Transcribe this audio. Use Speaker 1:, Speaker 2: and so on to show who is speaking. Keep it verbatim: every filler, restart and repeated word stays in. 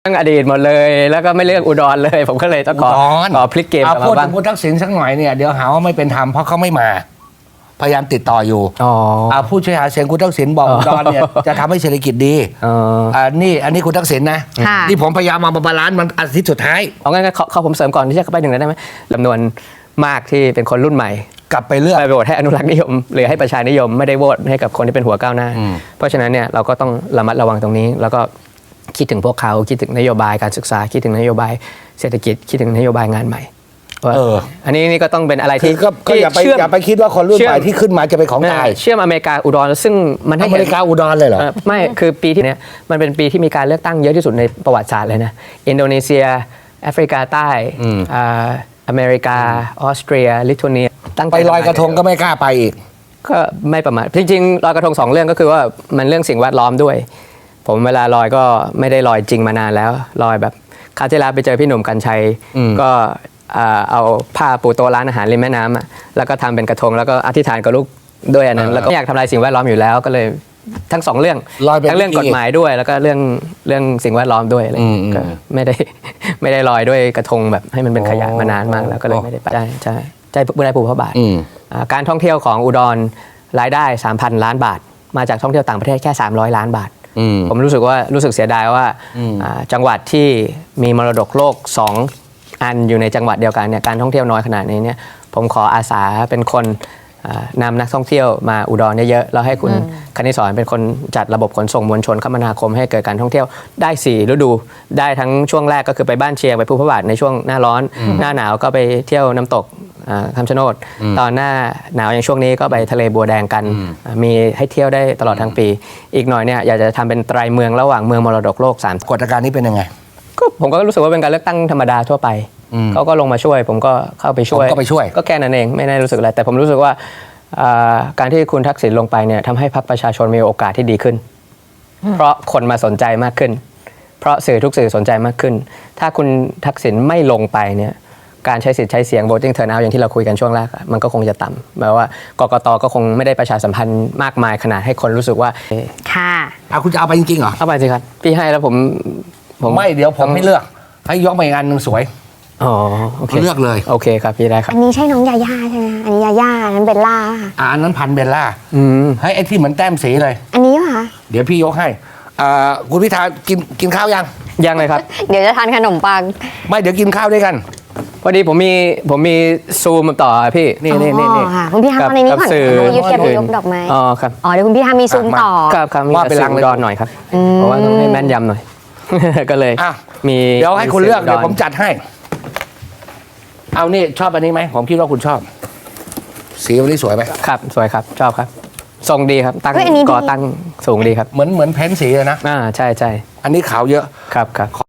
Speaker 1: รื่องอดีตหมดเลยแล้วก็ไม่เลือกอุดรเลยผมก็เลยต้องขอขอพลิกเกมกลับมาบ้าง
Speaker 2: พูดถึงคุณทักษิณสักหน่อยเนี่ยเดี๋ยวหาว่าไม่เป็นธรรมเพราะเขาไม่มาพยายามติดต่ออยู่อ๋อผู้ช่วยหาเสียงคุณทักษิณบอกอุดรเนี่ยจะทำให้เศรษฐกิจดีอ่านี่อันนี้คุณทักษิณนะนี่ผมพยายามมาบาลานซ์มันอาทิตย์สุดท้าย
Speaker 1: เอางั้นเขาผมเสริมก่อนที่จะเข้าไปหนึ่งได้ไหมจำนวนมากที่เป็นคนรุ่นใหม่
Speaker 2: กลับไปเลือก
Speaker 1: ไปโหวตให้อนุรักษ์นิยมหรือให้ประชานิยมไม่ได้โหวตให้กับคนที่เป็นหัวก้าวหน้าเพราะฉะนั้นเนี่ยเราก็ต้องระมัดระวังตรงนี้แล้วก็คิดถึงพวกเขาคิดถึงนโยบายการศึกษาคิดถึงนโยบายเศรษฐกิจคิดถึงนโยบายงานใหม่เอออันนี้นี่ก็ต้องเป็นอะไรที่
Speaker 2: ก็อย่าไปอย่าไปคิดว่าคนรุ่นใหม่ที่ขึ้นมาจะเป็นของตาย
Speaker 1: เชื่อมอเมริกาอุดรซึ่งมัน
Speaker 2: อเมริกาอุดรเลยเหรอ
Speaker 1: ไม่คือปีที่เนี้ยมันเป็นปีที่มีการเลือกตั้งเยอะที่สุดในประวัติศาสตร์เลยนะอินโดนีเซียแอฟริกาใต้อ่าอเมริกาออสเตรียลิทัวเนีย
Speaker 2: ไปลอยกระทงก็ไม่กล้าไปอีก
Speaker 1: ก็ไม่ประมาทจริงๆลอยกระทงสองเรื่องก็คือว่ามันเรื่องสิ่งแวดล้อมด้วยผมเวลาลอยก็ไม่ได้ลอยจริงมานานแล้วลอยแบบคราวที่แล้วไปเจอพี่หนุ่มกัญชัยก็เอาผ้าปูโต๊ะร้านอาหารริมแม่น้ำแล้วก็ทำเป็นกระทงแล้วก็อธิษฐานกับลูกด้วยอันนั้นแล้วก็อยากทำลายสิ่งแวดล้อมอยู่แล้วก็เลยทั้งสองเรื่องทั้งเรื่องกฎหมายด้วยแล้วก็เรื่องเรื่องสิ่งแวดล้อมด้วยอะไรก็ไม่ได้ไม่ได้ลอยด้วยกระทงแบบให้มันเป็นขยะมานานมากแล้วก็เลยไม่ได้ไปใช่ใช่ใจบุญได้ผูกพระบาทการท่องเที่ยวของอุดรรายได้ สามพัน ล้านบาทมาจากท่องเที่ยวต่างประเทศแค่สามร้อยล้านบาทผมรู้สึกว่ารู้สึกเสียดายว่าจังหวัดที่มีมรดกโลกสองอันอยู่ในจังหวัดเดียวกันเนี่ยการท่องเที่ยวน้อยขนาดนี้เนี่ยผมขออาสาเป็นคนนำนักท่องเที่ยวมาอุดรเยอะๆแล้วให้คุณคณิสรเป็นคนจัดระบบขนส่งมวลชนคมนาคมให้เกิดการท่องเที่ยวได้สี่ฤดูได้ทั้งช่วงแรกก็คือไปบ้านเชียงไปภูพระบาทในช่วงหน้าร้อนหน้าหนาวก็ไปเที่ยวน้ำตกคำชะโนดตอนหน้าหนาวอย่างช่วงนี้ก็ไปทะเลบัวแดงกันมีให้เที่ยวได้ตลอดทั้งปีอีกหน่อยเนี่ยอยากจะทำเป็นไตรเมืองระหว่างเมืองมรดกโลกสาม
Speaker 2: กฎการนี้เป็นยังไง
Speaker 1: ก็ผมก็รู้สึกว่าเป็นการเลือกตั้งธรรมดาทั่วไปเขาก็ลงมาช่วยผมก็เข้าไปช่วย
Speaker 2: ก็ไปช่วย
Speaker 1: ก็แค่นั้นเองไม่ได้รู้สึกอะไรแต่ผมรู้สึกว่าการที่คุณทักษิณลงไปเนี่ยทำให้พรรคประชาชนมีโอกาสที่ดีขึ้นเพราะคนมาสนใจมากขึ้นเพราะสื่อทุกสื่อสนใจมากขึ้นถ้าคุณทักษิณไม่ลงไปเนี่ยการใช้สิทธิ์ใช้เสียง voting turnout อย่างที่เราคุยกันช่วงแรกมันก็คงจะต่ำแปลว่ากกตก็คงไม่ได้ประชาสัมพันธ์มากมายขนาดให้คนรู้สึกว่า
Speaker 3: ค่ะ
Speaker 2: เอาคุณจะเอาไปจริงๆเหรอ
Speaker 1: เอาไปสิครับพี่ให้แล้วผม
Speaker 2: ผมไม่เดี๋ยวผมไม่เลือกให้ยกมาอีกอันหนึ่งสวย
Speaker 1: อ๋อโอเค
Speaker 2: เลือกเลย
Speaker 1: โอเคครับพี่ได้ครับ
Speaker 3: อันนี้ใช่น้องยาย่าใช่ไหมอันนี้ยาย่าอันนั้นเบลล่า
Speaker 2: อ่าอันนั้นพันเบลล่าอืมให้ไอ้ที่เหมือนแต้มสีเลย
Speaker 3: อันนี้ป่ะ
Speaker 2: เดี๋ยวพี่ยกให้อ่าคุณพิธากินกินข้าวยัง
Speaker 1: ยังเลยครับ
Speaker 3: เดี๋ยวจะทานขนมปัง
Speaker 2: ไม่เดี๋ยวกินข้าวด้วยกัน
Speaker 1: พอดีผมมีผมมีซูมต่อพี่นี่นี่นี่นี่
Speaker 3: ค่ะคุณพี่ทำในนี้ก่อนยูเทียบยกดอกไม้
Speaker 1: อ๋อครับ
Speaker 3: อ๋อเดี๋ยวคุณพี่ทำมีซูมต่อ
Speaker 1: ครับครับว่าเป็นลังดอนหน่อยครับเพราะว่าต้องให้แม่นยำหน่อยก็เลย
Speaker 2: มีเดี๋ยวให้คุณเลือกเดี๋ยวผมจัดให้เอานี่ชอบอันนี้ไหมผมคิดว่าคุณชอบสีวันนี้สวยไหม
Speaker 1: ครับสวยครับชอบครับทรงดีครับตั้งก่อตั้งสูงดีครับ
Speaker 2: เหมือนเหมือนเพ้นสีเลยนะ
Speaker 1: อ่าใช่ใช่
Speaker 2: อันนี้ขาวเยอะ
Speaker 1: ครับครับ